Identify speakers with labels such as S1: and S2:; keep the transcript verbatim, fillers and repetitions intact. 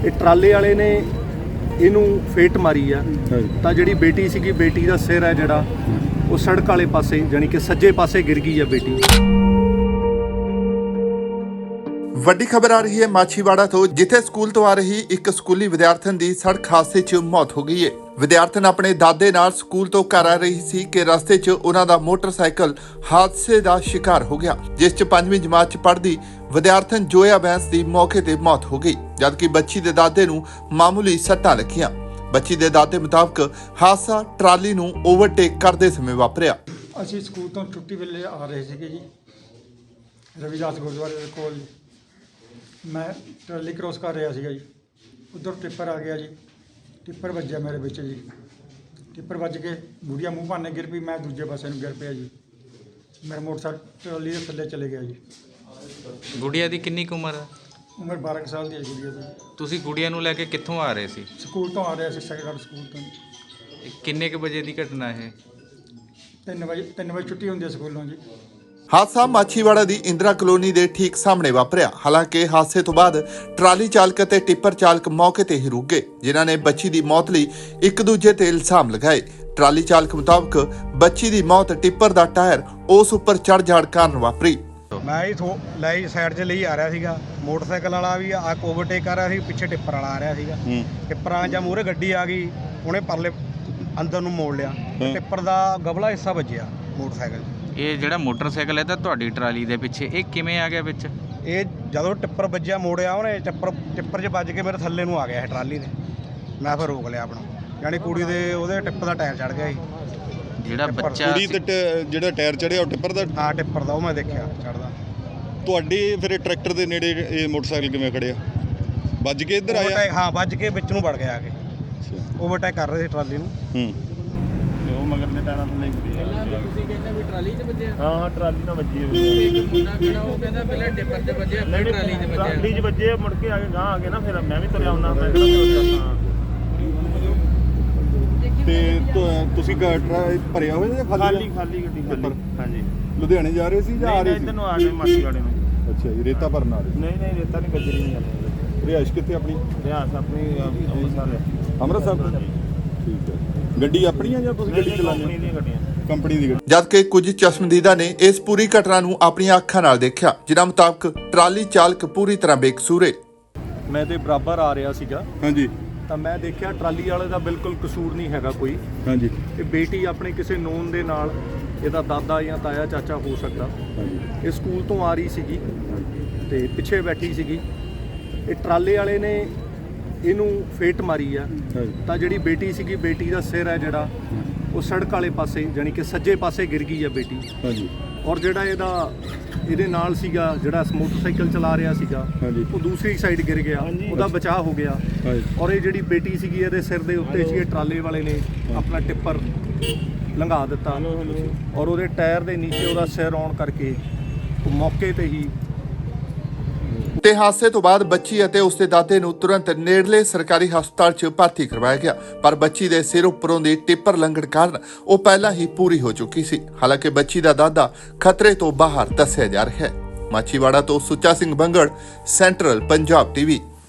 S1: ਇਹ ਟਰਾਲੇ ਵਾਲੇ ਨੇ ਇਹਨੂੰ ਫੇਟ ਮਾਰੀ ਆ ਤਾਂ ਜਿਹੜੀ ਬੇਟੀ ਸੀਗੀ ਬੇਟੀ ਦਾ ਸਿਰ ਹੈ ਜਿਹੜਾ ਉਹ ਸੜਕ ਵਾਲੇ ਪਾਸੇ ਜਾਨੀ ਕਿ ਸੱਜੇ ਪਾਸੇ ਗਿਰ ਗਈ ਆ ਬੇਟੀ।
S2: ਵੱਡੀ ਖਬਰ ਆ ਰਹੀ ਹੈ ਮਾਛੀਵਾੜਾ ਤੋਂ, ਜਿੱਥੇ ਸਕੂਲ ਤੋਂ ਆ ਰਹੀ ਇੱਕ ਸਕੂਲੀ ਵਿਦਿਆਰਥਣ ਦੀ ਸੜਕ ਹਾਦਸੇ 'ਚ ਮੌਤ ਹੋ ਗਈ ਹੈ। ਵਿਦਿਆਰਥਣ ਆਪਣੇ ਦਾਦੇ ਨਾਲ ਸਕੂਲ ਤੋਂ ਘਰ ਆ ਰਹੀ ਸੀ ਕਿ ਰਸਤੇ 'ਚ ਉਹਨਾਂ ਦਾ ਮੋਟਰਸਾਈਕਲ ਹਾਦਸੇ ਦਾ ਸ਼ਿਕਾਰ ਹੋ ਗਿਆ, ਜਿਸ 'ਚ ਪੰਜਵੀਂ ਜਮਾਤ 'ਚ ਪੜ੍ਹਦੀ ਵਿਦਿਆਰਥਣ ਜੋਇਆ ਬੈਂਸ ਦੀ ਮੌਕੇ ਤੇ ਮੌਤ ਹੋ ਗਈ, ਜਦਕਿ ਬੱਚੀ ਦੇ ਦਾਦੇ ਨੂੰ ਮਾਮੂਲੀ ਸੱਟਾਂ ਲੱਗੀਆਂ। ਬੱਚੀ ਦੇ ਦਾਦੇ ਮੁਤਾਬਕ ਹਾਦਸਾ ਟਰਾਲੀ ਨੂੰ ਓਵਰਟੇਕ ਕਰਦੇ ਸਮੇਂ ਵਾਪਰਿਆ।
S3: ਅਸੀਂ ਸਕੂਲ ਤੋਂ ਛੁੱਟੀ ਵੇਲੇ ਆ ਰਹੇ ਸੀਗੇ ਜੀ, ਰਵਿਦਾਸ ਗੁਰਦੁਆਰੇ ਦੇ ਕੋਲ ਜੀ। ਮੈਂ ਟਰਾਲੀ ਕ੍ਰੋਸ ਕਰ ਰਿਹਾ ਸੀਗਾ ਜੀ, ਉੱਧਰ ਟਿੱਪਰ ਆ ਗਿਆ ਜੀ, ਟਿੱਪਰ ਵੱਜਿਆ ਮੇਰੇ ਵਿੱਚ ਜੀ। ਟਿੱਪਰ ਵੱਜ ਕੇ ਗੁੜੀਆ ਮੂੰਹ ਭਾਨੇ ਗਿਰ ਪਈ, ਮੈਂ ਦੂਜੇ ਪਾਸੇ ਨੂੰ ਗਿਰ ਪਿਆ ਜੀ। ਮੇਰਾ ਮੋਟਰਸਾਈਕਲ ਟਰਾਲੀ ਦੇ ਥੱਲੇ ਚਲੇ ਗਿਆ ਜੀ।
S4: ਗੁੜੀਆ ਦੀ ਕਿੰਨੀ ਕੁ ਉਮਰ ਹੈ?
S3: ਉਮਰ ਬਾਰਾਂ ਕੁ ਸਾਲ ਦੀ ਹੈ ਗੁੜੀਆ ਦੀ।
S4: ਤੁਸੀਂ ਗੁੜੀਆ ਨੂੰ ਲੈ ਕੇ ਕਿੱਥੋਂ ਆ ਰਹੇ ਸੀ?
S3: ਸਕੂਲ ਤੋਂ ਆ ਰਿਹਾ ਸੀ, ਸੈਕੰਡ ਸਕੂਲ ਤੋਂ।
S4: ਇਹ ਕਿੰਨੇ ਕੁ ਵਜੇ ਦੀ ਘਟਨਾ ਇਹ?
S3: ਤਿੰਨ ਵਜੇ ਤਿੰਨ ਵਜੇ ਛੁੱਟੀ ਹੁੰਦੀ ਹੈ ਸਕੂਲੋਂ ਜੀ।
S2: ਹਾਦਸਾ ਮਾਛੀਵਾੜਾ ਦੀ ਇੰਦਰਾ ਕਲੋਨੀ ਦੇ ਠੀਕ ਸਾਹਮਣੇ ਵਾਪਰਿਆ। ਹਾਲਾਂਕਿ ਹਾਦਸੇ ਤੋਂ ਬਾਅਦ ਟਰਾਲੀ ਚਾਲਕ ਅਤੇ ਟਿੱਪਰ ਚਾਲਕ ਮੌਕੇ ਤੇ ਹੀ ਰੁਕ ਗਏ, ਜਿਨ੍ਹਾਂ ਨੇ ਬੱਚੀ ਦੀ ਮੌਤ ਲਈ ਇੱਕ ਦੂਜੇ ਤੇ ਇਲਜ਼ਾਮ ਲਗਾਏ। ਟਰਾਲੀ ਚਾਲਕ ਮੁਤਾਬਕ ਬੱਚੀ ਦੀ ਮੌਤ ਟਿੱਪਰ ਦਾ ਟਾਇਰ ਉਸ ਉੱਪਰ ਚੜ ਜਾਣ ਕਾਰਨ ਵਾਪਰੀ।
S5: ਮੈਂ ਹੀ ਥੋ ਲਈ ਸਾਈਡ 'ਚ ਲਈ ਆ ਰਿਹਾ ਸੀਗਾ, ਮੋਟਰਸਾਈਕਲ ਵਾਲਾ ਵੀ ਆ ਓਵਰਟੇਕ ਕਰ ਰਿਹਾ ਸੀ, ਪਿੱਛੇ ਟਿੱਪਰ ਵਾਲਾ ਆ ਰਿਹਾ ਸੀਗਾ। ਟਿੱਪਰਾਂ ਜਾਂ ਮੂਹਰੇ ਗੱਡੀ ਆ ਗਈ, ਉਹਨੇ ਪਰਲੇ ਅੰਦਰ ਨੂੰ ਮੋੜ ਲਿਆ, ਟਿੱਪਰ ਦਾ ਗਬਲਾ ਹਿੱਸਾ ਵੱਜਿਆ ਮੋਟਰਸਾਈਕਲ।
S4: ਇਹ ਜਿਹੜਾ ਮੋਟਰਸਾਈਕਲ ਹੈ ਤਾਂ ਤੁਹਾਡੀ ਟਰਾਲੀ ਦੇ ਪਿੱਛੇ, ਇਹ ਕਿਵੇਂ ਆ ਗਿਆ ਵਿੱਚ?
S5: ਇਹ ਜਦੋਂ ਟਿੱਪਰ ਵੱਜਿਆ ਮੋੜਿਆ ਉਹਨੇ, ਟਿੱਪਰ ਟਿੱਪਰ 'ਚ ਵੱਜ ਕੇ ਮੇਰੇ ਥੱਲੇ ਨੂੰ ਆ ਗਿਆ ਇਹ ਟਰਾਲੀ ਦੇ। ਮੈਂ ਫਿਰ ਰੋਕ ਲਿਆ ਆਪਣਾ, ਯਾਨੀ ਕੁੜੀ ਦੇ ਉਹਦੇ ਟਿੱਪਰ ਦਾ ਟਾਇਰ ਚੜ ਗਿਆ ਸੀ।
S4: ਜਿਹੜਾ ਬੱਚਾ
S6: ਕੁੜੀ ਤੇ ਜਿਹੜਾ ਟਾਇਰ ਚੜਿਆ ਉਹ ਟਿੱਪਰ ਦਾ?
S5: ਹਾਂ ਟਿੱਪਰ ਦਾ, ਉਹ ਮੈਂ ਦੇਖਿਆ ਚੜਦਾ।
S6: ਤੁਹਾਡੇ ਫਿਰ ਟਰੈਕਟਰ ਦੇ ਨੇੜੇ ਇਹ ਮੋਟਰਸਾਈਕਲ ਕਿਵੇਂ ਖੜਿਆ? ਵੱਜ ਕੇ ਇੱਧਰ ਆਇਆ?
S5: ਹਾਂ ਵੱਜ ਕੇ ਵਿੱਚ ਨੂੰ ਵੜ ਗਿਆ ਆ ਕੇ। ਓਵਰਟੇਕ ਕਰ ਰਹੇ ਸੀ ਟਰਾਲੀ ਨੂੰ।
S6: ਹੂੰ
S7: ਉਹ ਮਗਰ ਦੇ ਟਾਇਰਾਂ ਤੋਂ ਨਹੀਂ ਵੱਜੀ।
S8: ਤੁਸੀਂ ਕਹਿੰਦੇ ਵੀ ਟਰਾਲੀ 'ਚ ਵੱਜਿਆ?
S7: ਹਾਂ ਹਾਂ ਟਰਾਲੀ ਨਾਲ ਵੱਜੀ ਹੈ।
S8: ਇੱਕ ਮੁੰਡਾ ਖੜਾ ਉਹ ਕਹਿੰਦਾ ਪਹਿਲਾਂ ਟਿੱਪਰ 'ਚ ਵੱਜਿਆ ਫਿਰ ਟਰਾਲੀ 'ਚ ਵੱਜਿਆ।
S7: ਟਰਾਲੀ 'ਚ ਵੱਜੇ, ਮੁੜ ਕੇ ਆ ਕੇ ਗਾਂ ਆ ਕੇ ਨਾ ਫਿਰ ਮੈਂ ਵੀ ਤੁਰਿਆ ਹੁੰਦਾ। ਮੈਂ ਕਿਹਾ
S6: ਤੇ ਤੁਸੀਂ ਭਰਿਆ ਹੋਇਆ ਜਾਂ
S7: ਖਾਲੀ ਖਾਲੀ ਗੱਡੀ ਖਾਲੀ? ਹਾਂਜੀ।
S6: ਲੁਧਿਆਣੇ ਜਾ ਰਹੇ ਸੀ ਜਾਂ ਆ ਰਹੇ ਸੀ?
S7: ਇੱਧਰ ਨੂੰ ਆ ਗਏ ਮਾਛੀਵਾੜੇ ਨੂੰ।
S6: ਅੱਛਾ ਜੀ, ਰੇਤਾ ਭਰਨ ਆ ਰਹੇ?
S7: ਨਹੀਂ ਨਹੀਂ ਰੇਤਾ ਨਹੀਂ, ਗੱਜਰੀ ਨਹੀਂ ਜਾਂਦੀ।
S6: ਰਿਹਾਇਸ਼ ਕਿੱਥੇ ਆਪਣੀ?
S7: ਰਿਆਸ ਆਪਣੀ ਅੰਮ੍ਰਿਤਸਰ ਹੈ।
S6: ਅੰਮ੍ਰਿਤਸਰ? ਠੀਕ ਹੈ। ਗੱਡੀ ਆਪਣੀ ਆ ਜਾਂ ਤੁਸੀਂ ਗੱਡੀ ਚਲਾਉਂਦੇ?
S7: ਕੰਪਨੀ ਦੀਆਂ ਗੱਡੀਆਂ।
S6: ਕੰਪਨੀ ਦੀ ਗੱਡੀ।
S2: ਜਦਕਿ ਕੁਝ ਚਸ਼ਮਦੀਦਾਂ ਨੇ ਇਸ ਪੂਰੀ ਘਟਨਾ ਨੂੰ ਆਪਣੀਆਂ ਅੱਖਾਂ ਨਾਲ ਦੇਖਿਆ, ਜਿਨ੍ਹਾਂ ਮੁਤਾਬਕ ਟਰਾਲੀ ਚਾਲਕ ਪੂਰੀ ਤਰ੍ਹਾਂ ਬੇਕਸੂਰ ਹੈ।
S1: ਮੈਂ ਤੇ ਬਰਾਬਰ ਆ ਰਿਹਾ ਸੀਗਾ
S6: ਹਾਂਜੀ
S1: ਤਾਂ ਮੈਂ ਦੇਖਿਆ ਟਰਾਲੀ ਵਾਲੇ ਦਾ ਬਿਲਕੁਲ ਕਸੂਰ ਨਹੀਂ ਹੈਗਾ ਕੋਈ।
S6: ਹਾਂਜੀ
S1: ਇਹ ਬੇਟੀ ਆਪਣੇ ਕਿਸੇ ਨੋਨ ਦੇ ਨਾਲ, ਇਹਦਾ ਦਾਦਾ ਜਾਂ ਤਾਇਆ ਚਾਚਾ ਹੋ ਸਕਦਾ, ਇਹ ਸਕੂਲ ਤੋਂ ਆ ਰਹੀ ਸੀਗੀ ਤੇ ਪਿੱਛੇ ਬੈਠੀ ਸੀਗੀ। ਇਹ ਟਰਾਲੇ ਵਾਲੇ ਨੇ ਇਹਨੂੰ ਫੇਟ ਮਾਰੀ ਆ ਤਾਂ ਜਿਹੜੀ ਬੇਟੀ ਸੀਗੀ ਬੇਟੀ ਦਾ ਸਿਰ ਹੈ ਜਿਹੜਾ ਉਹ ਸੜਕ ਵਾਲੇ ਪਾਸੇ ਜਾਨੀ ਕਿ ਸੱਜੇ ਪਾਸੇ ਗਿਰ ਗਈ ਆ ਬੇਟੀ।
S6: ਹਾਂਜੀ
S1: ਔਰ ਜਿਹੜਾ ਇਹਦਾ ਇਹਦੇ ਨਾਲ ਸੀਗਾ ਜਿਹੜਾ ਮੋਟਰਸਾਈਕਲ ਚਲਾ ਰਿਹਾ ਸੀਗਾ ਉਹ ਦੂਸਰੀ ਸਾਈਡ ਗਿਰ ਗਿਆ, ਉਹਦਾ ਬਚਾਅ ਹੋ ਗਿਆ। ਔਰ ਇਹ ਜਿਹੜੀ ਬੇਟੀ ਸੀਗੀ ਇਹਦੇ ਸਿਰ ਦੇ ਉੱਤੇ ਸੀ, ਟਰਾਲੇ ਵਾਲੇ ਨੇ ਆਪਣਾ ਟਿੱਪਰ ਲੰਘਾ ਦਿੱਤਾ ਔਰ ਉਹਦੇ ਟਾਇਰ ਦੇ ਨੀਚੇ ਉਹਦਾ ਸਿਰ ਆਉਣ ਕਰਕੇ ਉਹ ਮੌਕੇ ਤੇ ਹੀ।
S2: ਤੇ ਹਾਦਸੇ ਤੋਂ ਬਾਅਦ ਬੱਚੀ ਅਤੇ ਉਸਦੇ ਦਾਦੇ ਨੂੰ ਤੁਰੰਤ ਨੇੜਲੇ ਸਰਕਾਰੀ ਹਸਪਤਾਲ 'ਚ ਭਰਤੀ ਕਰਵਾਇਆ ਗਿਆ, ਪਰ ਬੱਚੀ ਦੇ ਸਿਰ ਉੱਪਰੋਂ ਦੀ ਟਿੱਪਰ ਲੰਘਣ ਕਾਰਨ ਉਹ ਪਹਿਲਾਂ ਹੀ ਪੂਰੀ ਹੋ ਚੁੱਕੀ ਸੀ। ਹਾਲਾਂਕਿ ਬੱਚੀ ਦਾ ਦਾਦਾ ਖਤਰੇ ਤੋਂ ਬਾਹਰ ਦੱਸਿਆ ਜਾ ਰਿਹਾ ਹੈ। ਮਾਛੀਵਾੜਾ ਤੋਂ ਸੁੱਚਾ ਸਿੰਘ ਬੰਗੜ, ਸੈਂਟਰਲ ਪੰਜਾਬ ਟੀਵੀ।